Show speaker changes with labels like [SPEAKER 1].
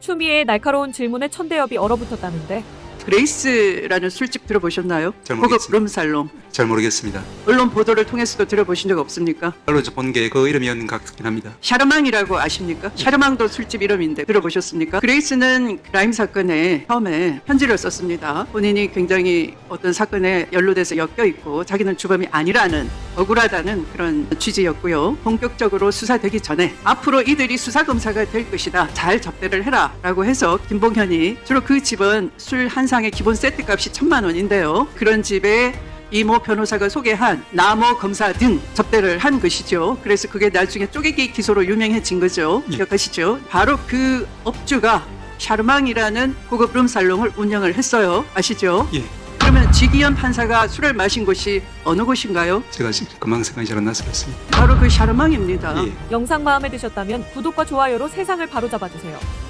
[SPEAKER 1] 추미애의 날카로운 질문에 천대엽이 얼어붙었다는데
[SPEAKER 2] 그레이스라는 술집 들어보셨나요?
[SPEAKER 3] 잘
[SPEAKER 2] 고급
[SPEAKER 3] 모르겠습니다.
[SPEAKER 2] 룸살롱.
[SPEAKER 3] 잘 모르겠습니다.
[SPEAKER 2] 언론 보도를 통해서도 들어보신 적 없습니까?
[SPEAKER 3] 언론에서 본 게 그 이름이었는 것 같긴 합니다.
[SPEAKER 2] 샤르망이라고 아십니까? 샤르망도 술집 이름인데 들어보셨습니까? 그레이스는 라임 사건에 처음에 편지를 썼습니다. 본인이 굉장히 어떤 사건에 연루돼서 엮여 있고 자기는 주범이 아니라는 억울하다는 그런 취지였고요. 본격적으로 수사되기 전에 앞으로 이들이 수사검사가 될 것이다. 잘 접대를 해라 라고 해서 김봉현이 주로 그 집은 술 한 상의 기본 세트값이 1,000만 원인데요. 그런 집에 이모 변호사가 소개한 나모 검사 등 접대를 한 것이죠. 그래서 그게 나중에 쪼개기 기소로 유명해진 거죠.
[SPEAKER 3] 예.
[SPEAKER 2] 기억하시죠? 바로 그 업주가 샤르망이라는 고급 룸살롱을 운영을 했어요. 아시죠?
[SPEAKER 3] 예,
[SPEAKER 2] 그러면 지기현 판사가 술을 마신 곳이 어느 곳인가요?
[SPEAKER 3] 제가 지금 금방 생각이 잘 안 나서 그렇습니다.
[SPEAKER 2] 바로 그 샤르망입니다.
[SPEAKER 3] 예.
[SPEAKER 1] 영상 마음에 드셨다면 구독과 좋아요로 세상을 바로잡아주세요.